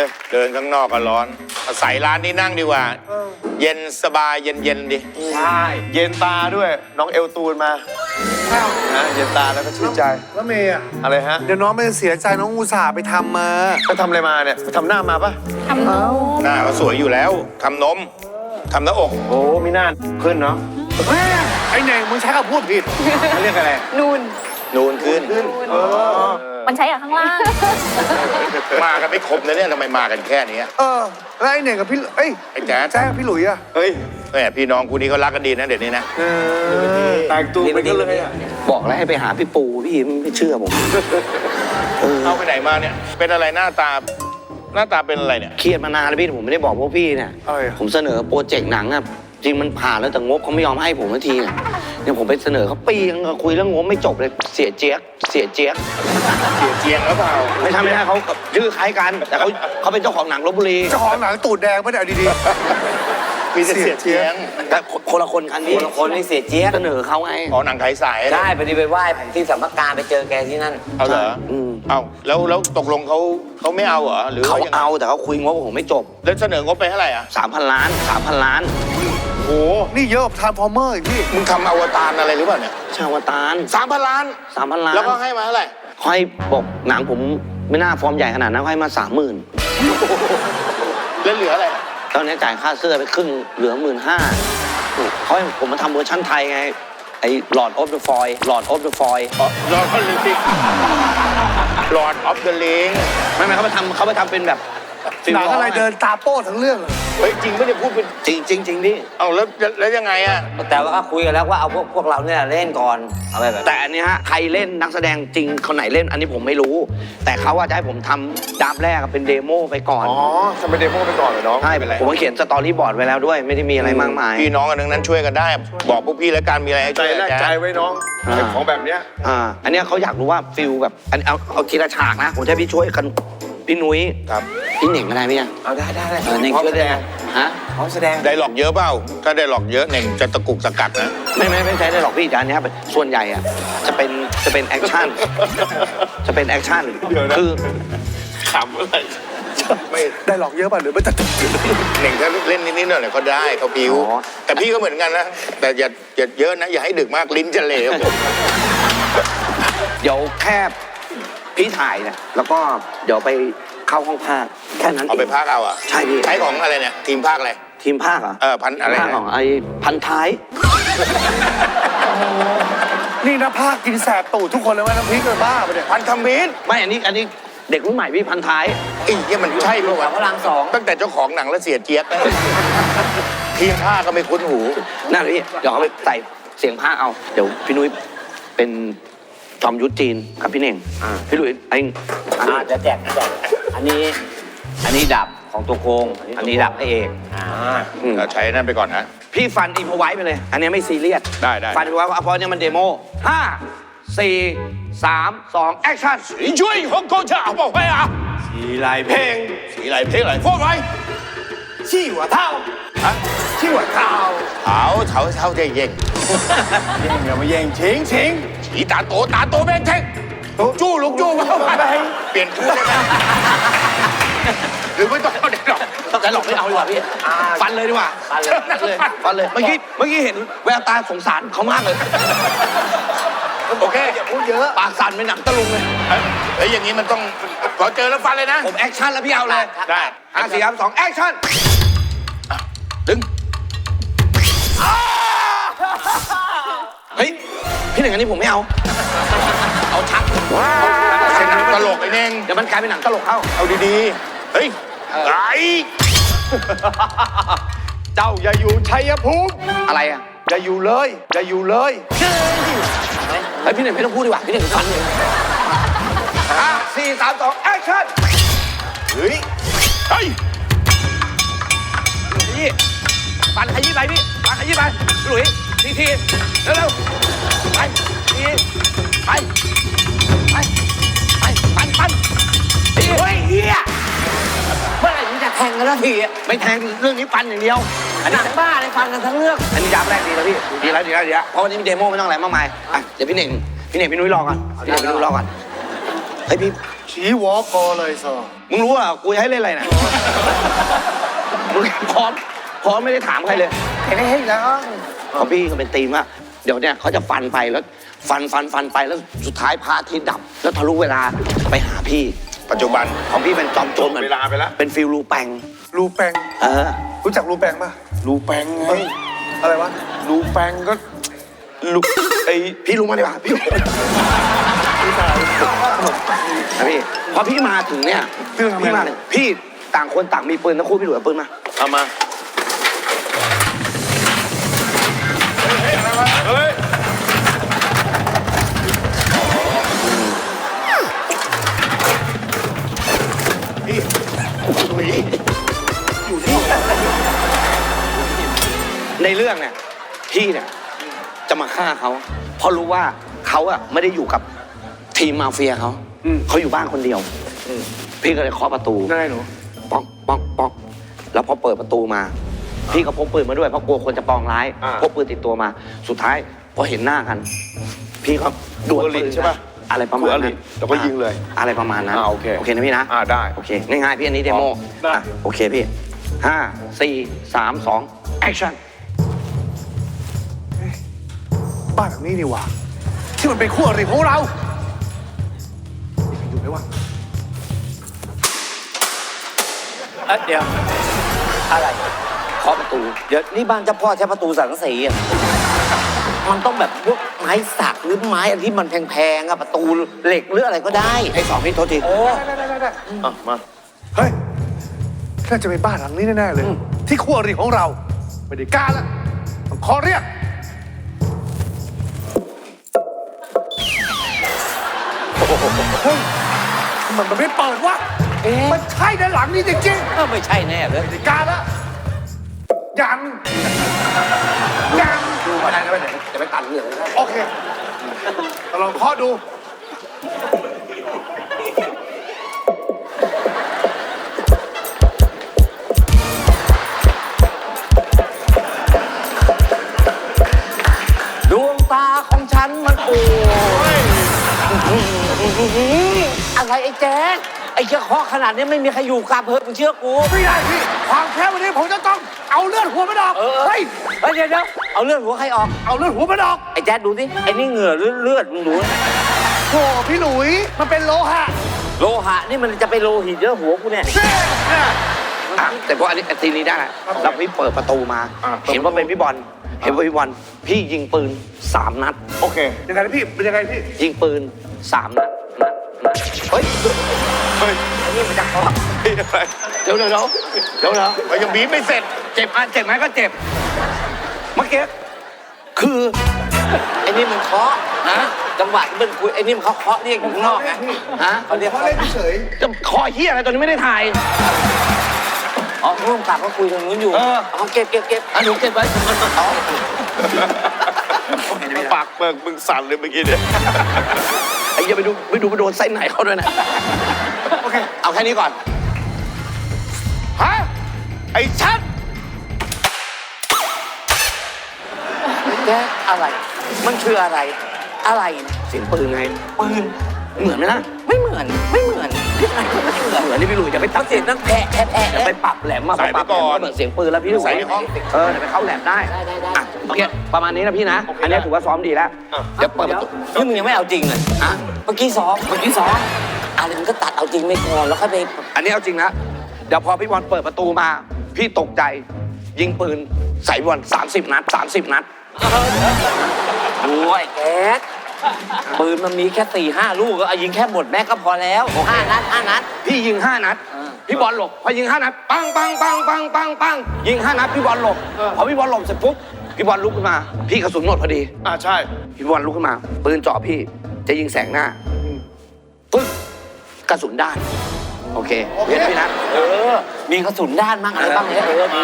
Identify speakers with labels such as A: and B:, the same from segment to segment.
A: เดินข้างนอกก็ร้อนอาศัยร้านนี้นั่งดีกว่าเย็นสบายเย็นดิ
B: ใช่เย็นตาด้วยน้องเอลตูนมานะเย็นตาแล้วก็ชื่นใจ
C: แล้วเมย์อะ
B: อะไรฮะ
C: เดี๋ยวน้องไม่เสียใจน้องอุตส่าห์ไปทำมา
B: ไปทำอะไรมาเนี่ยไปทำหน้ามาปะ
D: ทำนม
A: หน้าก็สวยอยู่แล้วทำนมทำหน้าอก
B: โอ้มีหน้าขึ้นเนาะ
C: ไอ้เน่งมึงใช้คำพูดผิด
B: เขาเรียกอะไร
D: นูน
A: นูนขึ้น
D: มันใช้กับข้างล่าง
A: มากันไม่ครบนะเนี่ยทำไมมากันแค่นี้
C: แล้วไอ้เน่งกับพี่เอ้ย
A: ไอ้แจ๊ด
C: แจ๊คกับพี่หลุยอะ
B: เฮ้ย
A: แม่พี่น้องคู่นี้เขารักกันดีนะเดี๋ยวนี้นะ
B: แต่งตัวไปกันเลยอะ
E: บอกแล้วให้ไปหาพี่ปูพี่ไม่เชื่อผม
A: เอาไปไหนมาเนี่ยเป็นอะไรหน้าตาเป็นอะไรเนี่ย
E: เครียดมานานแล้วพี่ผมไม่ได้บอกพวกพี่เนี่ย
C: เอ้ย
E: ผมเสนอโปรเจกต์หนังอะจริงมันผ่านแล้วแต่งบเขาไม่ยอมให้ผมสักทีเนี่ยผมไปเสนอเขาปีนึงคุยเรื่องงบไม่จบเลยเสียเจี๊ยก
A: เสียเจียงหรือเปล่า
E: ไม่ใช่เขาชื่อคล้ายกัน แต่เขาเป็นเจ้าของหนังลบบุรี
C: เจ้าของหนังตูดแดงไม่ได้เอาดี
A: มีแต่เสียเจียง
E: แต่คนละคนกันพี่
F: คนละคนนี่เสียเจี๊ยบ
E: เสนอเขาไง
A: อ๋อหนังไทยสาย
F: ใช่พอดีไปไหว้ผมที่สัมภการไปเจอแกที่นั่น
A: เอาเหรอเอาแล้วตกลงเขาไม่เอาเหรอหรือ
E: เขา
A: ยังไง
E: เอาแต่เขาคุยงบกับผมไม่จบ
A: แล้วเสนองบไปเท่าไหร่อ่ะ
E: 3,000 ล้าน 3,000 ล้าน
A: โอ้
C: ๆนี่เยอะกว่าทาร์ฟอร์เมอร์อีกพี่
A: มึงทำอวตารอะไรหรือเปล่าเนี่ย
E: ชาวตาร
A: 3,000 ล้าน
E: 3,000 ล้าน
A: แล้วก็ให้มาเท่าไหร่
E: เขาให้บอกหนังผมไม่น่าฟอร์มใหญ่ขนาดนั้นเขาให้มา 30,000
A: แล้วเหลืออะไร
E: ตอนนี้จ่ายค่าเสื้อไปครึ่งเหลือ 15,000เขาให้ผมมาทำเวอร์ชั่นไทยไงไอ้ Lord of the Foil Lord of the Foil
A: ลอร์ดออฟเดอะลิงลอร์ดออฟเดอะลิง
E: ไม่เขาไปทำเป็นแบบ
C: หนังอะไรเดินตาโป้ทั้งเรื่องเลย
A: เฮ้ยจริงไม่ได้พูดเป็น
E: จริงดิ
A: เอาแล้วยังไงอ่ะ
F: แต่ว่าก็คุยกันแล้วว่าเอาพวกเราเนี่ยเล่นก่อนเอาไปแบบ
E: แต่อันนี้ฮะใครเล่นนักแสดงจริงคนไหนเล่นอันนี้ผมไม่รู้ แต่เขาว่าจะให้ผมทำดับแรกเป็นเดโมไปก่อน
B: อ๋อทำเป็นเดโมไปก่อนเหรอน้อง
E: ใช่ผมก็เขียนสตอรี่บอร์ดไว้แล้วด้วย ไม่ได้มีอะไรมากมาย
A: พี่น้องกันทั้งนั้นช่วยกันได้ บอกพวกพี่แล้วกันมีอะไรให้
B: ใจ
A: ช่วย
B: แรก
A: กัน
B: ใจไว้น้องไอ้ของแบบเนี้ย
E: อันเนี้ยเขาอยากรู้ว่าฟิลแบบอันเอาทีละฉากนะผมจะให้พี่ช่วยกันพี่นุ้ย
A: ครับ
E: พี่เหน่งก็ได้ไหมเนี่ย
F: เอาได้
E: เน่งช่วยได้ไหมฮะ
F: เขาแสดง
A: ได้หลอกเยอะเปล่าถ้าได้หลอกเยอะเน่งจะตะกุกตะกักนะ
E: ไม่ใช่ได้หรอกพี่แต่อันเนี้ยส่วนใหญ่อะจะเป็นแอคชั่นจะเป็นแอคชั่นคือ
A: ขำอะไรไม่
C: ได้หลอกเยอะป่ะหรือไม่แต่
A: เน่งถ้าเล่นนิดๆหน่อยๆก็ได้เขาพิวแต่พี่ก็เหมือนกันนะแต่อย่าเยอะนะอย่าให้ดึกมากลิ้นจะเหลวผม
E: เดี๋ยวแค่พี่ถ่ายเนี่ยแล้วก็เดี๋ยวไปเข้าห้องภาคแค่นั้น
A: เอาไปพากเอาอ่ะ
E: ใช่พี่
A: ใช้ของอะไรเนี่ยทีมภาคอะไร
E: ทีมภาคเหรอ
A: พันอะไร
E: ภาคของไอ้พันท้าย
C: นี่นะภาคกินแสบตูดทุกคนเลยว่าน้ำพริกเลยบ้าไปะเนี่ย
A: พันธมิตร
E: ไม่อันนี้เด็กรุ่นใหม่พี่พันท้าย
A: ไอ้เหี้ยมันใช่ปะวะ
F: พลังสอง
A: ตั้งแต่เจ้าของหนังแล้วเสียเจี๊ยบทีมภาคก็ไม่คุ้นหู
E: นั่นเลยพี่เดี๋ยวเอาไปใส่เสียงภาคเอาเดี๋ยวพี่นุ้ยเป็นจอมยุทธจีนกับพี่เน่งพี่หลุยไอ้
F: จะแจกอันนี้ดับของตัวโกงอันนี้ดับให้เอก
A: เราใช้นั่นไปก่อนนะ
E: พี่ฟันอินพอไว้ไปเลย อันนี้ไม่ซีเรียส
A: ได้
E: ฟันอินพอไว้เพราะเนี่ยมันเดโม5 4 3 2แอคชั่น
A: 你追红高架好不好啊？
B: สีลายเพลง
A: 起来起来，放来！
C: ขี้หัวเท่า
A: 啊，
C: ขี้หัวเท่า
A: 炒隻型，
B: อย่ามาแย่งชิงชิง
A: 似打多俾人聽。豬六豬貓เปลี่ยนคู่ได้ไหมหรือไม่ต้องเอาเด็กหรอก
E: แต่หลอกไม่เอาดีกว่าพี่ฟันเลยดีกว่าฟันเลยเมื่อกี้เห็นแววตาสงสารเขามากเลย
A: โอเค
C: อย่าพูดเยอะ
E: ปากสั่นเป็นหนังตะลุงเลย
A: เฮ้ยอย่างนี้มันต้องพอเจอแล้วฟันเลยนะ
E: ผมแอคชั่นแล้วพี่เอาเลย
A: ได้
E: 5 4 3 2แอคชั่น
A: ดึง
E: เฮ้ยพี่หนึ่งอันนี้ผมไม่เอาเอาชัก
A: ใช่หนังตลกไอ้เน่ง
E: เดี๋ยวมันกลายเป็นหนังตลกเข้า
A: เอาดีๆ เฮ้ยไอ้
B: เจ้าอย่าอยู่ชัยภูมิ
E: อะไรอ่ะ
B: อย่าอยู่เลยอย่าอยู่เลย
E: เฮ้ยพี่หนึ่งไม่ต้องพูดดีกว่าพี่หนึ่งฟันเลย5 4 3 2แอคชั่น
A: เฮ้ยเฮ้ย
E: พี่ปันขยี้ไปพี่ปันขยี้ไปหลุยทีเร็วๆไปทีไปปันทีเฮ้ยเฮีย
F: เมื่อไหร่มึงจะแทงกันแล้วทีอ่ะ
E: ไม่แทงเรื่องนี้ปันอย่างเดียว
F: หนังบ้าเลยฟังกันทั้งเรื่อง
E: อันนี้ยับแรกดีแล้วพี่ดีแล้วเพราะวันนี้มีเดโมไม่ต้องอะไรมากมายอ่ะเดี๋ยวพี่เน่งพี่นุ้ยรอก่อนพี่นุ้ยรอก่อนเฮ้ยพี่
C: ชี้วอคอเลยสอ
E: มึงรู้ว่ากูจะให้เล่นอะไรนะมึงพร้อมไม่ได้ถามใครเลย
C: เฮ้ยแล้ว
E: ของพี่เขาเป็นธีมว่าเดี๋ยวเนี่ยเขาจะฟันไปแล้วฟันไปแล้วสุดท้ายพระอาทิตย์ดับ แล้วทะลุเวลาไปหาพี่
A: ปัจจุบัน
E: ของพี่เป็นจอมโจรเหมือน
B: เวลาไปแล้ว
E: เป็นฟิลรูแปง
C: รูแปง รู้จักรูแปงป่ะ
B: รูแปงไง
C: อะไรวะ
B: รูแปงก็รูไอ
E: พี่รู้มาดีกว่าพี่รู้นะพี่พอพี่มาถึงเนี่ยพี่มาเนี่ยพี่ต่างคนต่างมีปืนทั้งคู่พี่หลุยเอาปืนมา
B: เอามาเฮ้ย
E: ในเรื่องเนี่ยพี่เนี่ยจะมาฆ่าเขาเพราะรู้ว่าเขาอะไม่ได้อยู่กับทีมมาเฟียเขาอยู่บ้านคนเดียวพี่ก็เลยเคาะประตู
C: ได้หนู
E: ป๊อกป๊อกป๊อกแล้วพอเปิดประตูมา พี่ก็พกปืนมาด้วยเพราะกลัวคนจะปองร้ายพกปืนติดตัวมา สุดท้ายพอเห็นหน้ากัน พี่ก็ดวลปืน
B: ใช่ปะ
E: อะไรประมาณนั้น
B: แล้วก็ยิงเลย
E: อะไรประมาณนั้น
B: โอเค
E: โอเคนะพี่นะ
B: ได้
E: โอเคง่ายๆพี่อันนี้เดโม
B: ได้
E: อ่ะโอเคพี่5 4 3 2 action
C: บ้านหลังนี้นี่หว่าที่มันเป็นคู่อริของเราอยู่ไหมวะ
F: เดี๋ยว อะไร
E: เคาะประตู
F: เดี๋ยวนี่บ้านเจ้าพ่อใช้ประตูสังกะสีอ่ะมันต้องแบบพวกไม้สักหรือไม้อันที่มันแพงๆอะประตูเหล็กหรืออะไรก็ได้
E: ไอ้สองพี่โทษที
F: โอ้
C: ได้
B: มา
C: เฮ้ยน่าจะเป็นบ้านหลังนี้แน่ๆเลย ที่คู่อริของเราไม่ได้กล้าละต้องขอเรียกเฮ้ยมันไม่เปิดวะมันใช่ด้านหลังนี่จริง
F: ไม่ใช่แน่เลย
C: ๆไม่ได้กล้าละยังดูมาได้ไหมจะไปตัดเหลืองโอเคลองเคาะดู
F: ดวงตาของฉันมันโอ้ยอะไรไอ้แจ๊คไอ้เชือกเคาะขนาดนี้ไม่มีใครอยู่กลับเพิ่มึงเชื่อกู
C: ไม่ได้พี่ความแค้นวันนี้ผมจะต้องเอาเลือดหัวมันออกเฮ้ย
F: เดี๋ยวเอาเลือดหัวใครออก
C: เอาเลือดหัวมันออก
F: ไอ้แจ๊คดูสิไอ้นี่เหงื่อหรือเลือดมึงดูนะ
C: โอ้พี่หลุยมันเป็นโลหะ
F: โลหะนี่มันจะไปโลหิตเยอะหัวกูเนี่ย
E: อ่ะแต่พออันนี้ทีนี้ได้แล้วพี่เปิดประตูมา เห็นว่าเป็นพี่บอลพี่ยิงปืน3 นัด
C: โอเคยังไงนะพี่เป็นยังไงพี่
E: ยิงปืน3 นัดเฮ้ย
F: นี่มันจะเคาะ
E: เดี๋ยว
A: มันยังบีบไม่เสร็จ
E: เจ็บไหมก็เจ็บเมื่อกี้คือ
F: ไอ้นี่มันเคาะนะจังหวะที่มันคุยไอ้นี่มันเคาะเรียกอยู่ข้างนอกไง
E: ฮะ
F: เขาเรียก
C: เขาเล่นเฉย
E: จะคอเฮียอะไรตอนนี้ไม่ได้ถ่าย
F: อ๋อร่วมกับเขาคุยตรงนู้นอยู่
E: เออ
F: เอาเก็บ
E: อันหนูเก็บไว้อ๋อ
B: ปากเบิกมึงสั่นเลยเมื่อกี้เนี่ย
E: ไอ้เหี้ยไปดูไปโดนไส้ไหนเขาด้วยนะ
C: โอเค
E: เอาแค่นี้ก่อน
C: ฮะไอ้ชัด
F: แจ๊คอะไร มันคืออะไร อะไร
E: เสียงปืนไงปืนเหมือนไหมนะ
F: ไม่เหมือนยังไงก็ไม่เหมือน
E: เหมือนที่พี่หลุยจะไปตั
F: มั
E: ด
F: นเสียงนั่งแผะ
E: จะไปปรับแหลมมา
A: ใส่ไป
E: ปรับแหล
A: ก่
E: ม
A: อน
E: ก็เหมือนเสียงปืนแล้วพี่หลุย
A: ใส่ในห้อง
E: เดี๋ยวไปเข้าแหลมได้
F: ได้
E: อ่ะโอเคประมาณนี้นะพี่นะ อันนี้ถือว่าซ้อมดีแล้ว เดี๋ยวเปิดประตู
F: นี่มึงยังไม่เอาจริงเลย
E: อ่ะ
F: เมื่อกี้ซ้อมอะไรมันก็ตัดเอาจริงไม่พอแล้วค่อยไป
E: อันนี้เอาจริงนะเดี๋ยวพอพี่บอลเปิดประตูมา พี่ตกใจ ยิงปืนใส่บอล30 นัด
F: โอ้ยแจ๊คปืนมันมีแค่4-5 ลูกก็เอายิงแค่หมดแม็กก็พอแล้ว5 นัด
E: พี่ยิง5 นัด พี่บอลหลบพอยิง5 นัดปังยิง5 นัดพี่บอลหลบพอพี่บอลหลบเสร็จปุ๊บพี่บอลลุกขึ้นมา พี่กระสุนหมดพอดี
B: ใช่
E: พี่บอลลุกขึ้นมาปืนจ่อพี่จะยิงแสงหน้าปึ๊บกระสุนด้าน โอเคเรียนพี่นะ
F: มีกระสุนด้านมั่งอะไรบ้างเนี่ยดี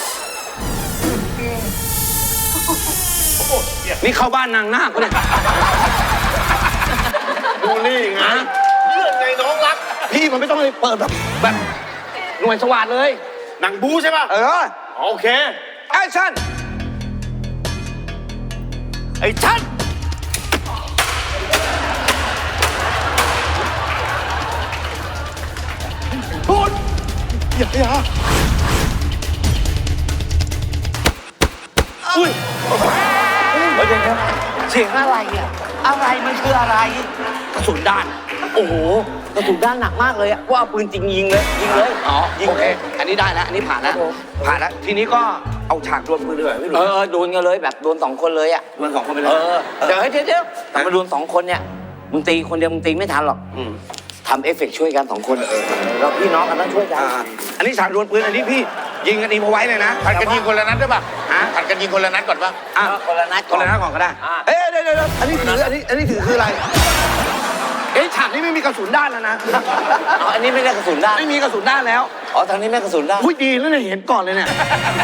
E: นี่เข้าบ้านนางนาคปะเนี่ย
B: บูลลี่ไงเลื่อนไงน้องรัก
E: พี่มันไม่ต้องเลยเปิดแบบหน่วยสวัสดเลย
B: หนังบูใช่ป่ะ โอเค
E: แอคชั่น
B: ไอ้ชัด
C: อย่า
E: อุ้ยเดี๋ยวครับเสียงอะไรอ่ะอะไรมันคืออะไร
F: กระสุนด้าน โอ้โหกระสุนด้านหนักมากเลยอะว่าเอาปืนจริงยิงเลยยิงเลย
E: อ๋อ
F: ยิง
E: โอ
F: เล
E: เค
F: ย
E: อันนี้ได้แล้ว อันนี้ผ่านแล้ว ผ่านแล้ว ทีนี้ก็เอาฉากดวลปืนเลยไม่รู้
F: โดนกันเลยแบบโดนสองคนเลยอะ
E: ดวลสองคนไปเลย
F: เดี๋ยวแต่มาโดนสองคนเนี่ยมึงตีคนเดียวมึงตีไม่ทันหรอก
E: อืม
F: ทำเอฟเฟกต์ช่วยกันสองคนเราพี่น้องกันต้องช่วยกัน
E: อันนี้ฉากดวลปืน อันนี้พี่ยิงกันอีมาไว้เลยนะ
A: ผัดกันยิงคนละนัดได้ป่ะ
E: ฮะ
A: ผัดกันยิงคนละนัดก่อนป่ะ
E: อ่ะ
F: คนละนัด
E: คนละหน้าก่อนก็ได้
B: เอ๊ะเดี๋ยวอันนี้ถืออันนี้ถือคืออะไร เอ๊ะฉากนี้ไม่มีกระสุนด้านแล้วนะ
F: อ๋ออันนี้ไม่ได้กระสุนด้าน
E: ไม่มีกระสุนด้านแล้ว
F: อ๋อทางนี้ไม่กระสุนด้าน
B: อุ้ยดีแล้วเนี่ยเห็นก่อนเลยเนี่ย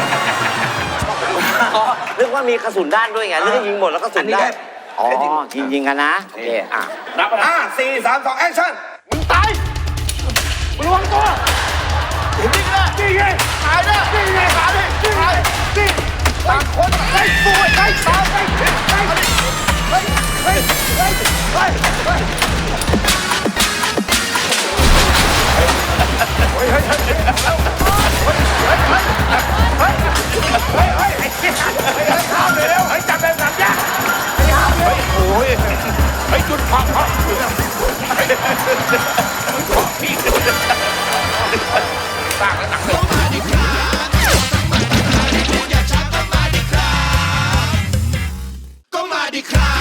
F: อ๋อนึกว่ามีกระสุนด้านด้วยไงนึกว่ายิงหมดแล้วกระสุนด้าน อ๋อ
E: อันนี้ได้
F: ยิงกันนะโอเคอ่ะ
E: นับไปนะ4 3 2 แอคชั่น
C: มึงตายมึงระวังตัวนี่ไงนี่ไงตายนะนี่ไงตายนี่ไงนี่ต่างคนไอ้ตัวไอ้ตายไอ้ไอ้ไอ้ไอ้ไอ้ไอ้โอ้ยไอ้จุดพักพัก
G: ก็มาดิครับ